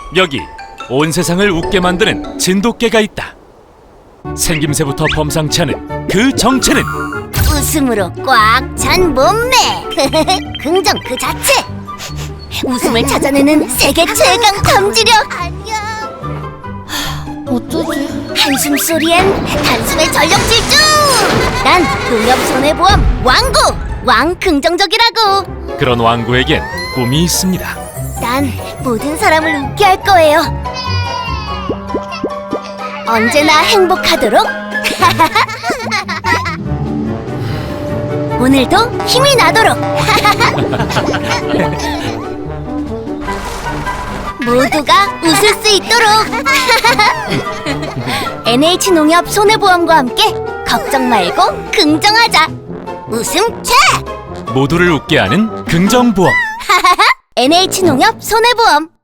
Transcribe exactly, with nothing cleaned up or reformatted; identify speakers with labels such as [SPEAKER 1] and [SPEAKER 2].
[SPEAKER 1] 여기 온 세상을 웃게 만드는 진돗개가 있다. 생김새부터 범상치 않은 그 정체는
[SPEAKER 2] 웃음으로 꽉 찬 몸매. 긍정 그 자체. 웃음을 찾아내는 세계 최강 탐지력.
[SPEAKER 3] 어쩌지?
[SPEAKER 2] 한숨 소리엔 단숨에 전력 질주. 난 농협손해보험 왕구 왕 긍정적이라고.
[SPEAKER 1] 그런 왕구에겐 꿈이 있습니다.
[SPEAKER 2] 난 모든 사람을 웃게 할 거예요. 언제나 행복하도록. 오늘도 힘이 나도록. 모두가 웃을 수 있도록. 엔에이치농협 손해보험과 함께 걱정 말고 긍정하자. 웃음 채.
[SPEAKER 1] 모두를 웃게 하는 긍정보험.
[SPEAKER 2] 엔에이치농협 손해보험.